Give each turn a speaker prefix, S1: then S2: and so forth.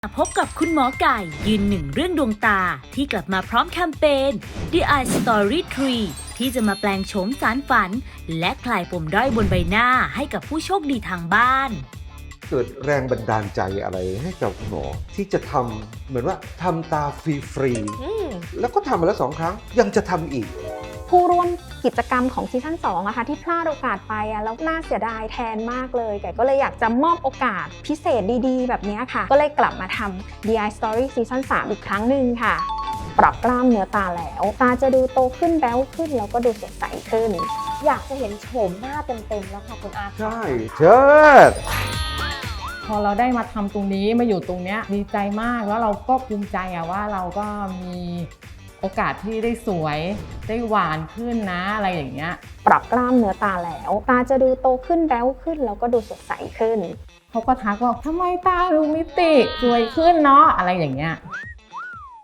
S1: พบกับคุณหมอไก่ยืนหนึ่งเรื่องดวงตาที่กลับมาพร้อมแคมเปญ The Eye Story 3 ที่จะมาแปลงโฉมสารฝัน และคลายปมด้อยบนใบหน้าให้กับผู้โชคดีทางบ้าน
S2: เกิดแรงบันดาลใจอะไรให้กับหมอที่จะทำเหมือนว่าทำตาฟรีๆแล้วก็ทำมาแล้ว2 ครั้งยังจะทำอีก
S3: ผู้ร่วมกิจกรรมของซีซั่น2อะค่ะที่พลาดโอกาสไปแล้วน่าเสียดายแทนมากเลยไก่ก็เลยอยากจะมอบโอกาสพิเศษดีๆแบบนี้ค่ะก็เลยกลับมาทำ The Eye Story ซีซั่น3อีกครั้งหนึ่งค่ะปรับกล้ามเนื้อตาแล้วตาจะดูโตขึ้นแบ๊วขึ้นแล้วก็ดูสดใสขึ้น
S4: อยากจะเห็นโฉมหน้าเต็มๆแล้วค่ะคุณอาร์ต
S2: ใช่เชิด
S5: พอเราได้มาทำตรงนี้มาอยู่ตรงเนี้ยดีใจมากแล้วเราก็ภูมิใจว่าเราก็มีโอกาสที่ได้สวยได้หวานขึ้นนะอะไรอย่างเงี้ย
S3: ปรับกล้ามเนื้อตาแล้วตาจะดูโตขึ้นแบ๊วขึ้นแล้วก็ดูสดใสขึ้น
S5: เขาก็ทักว่าทำไมตาดูมิติสวยขึ้นเนาะอะไรอย่างเงี้ย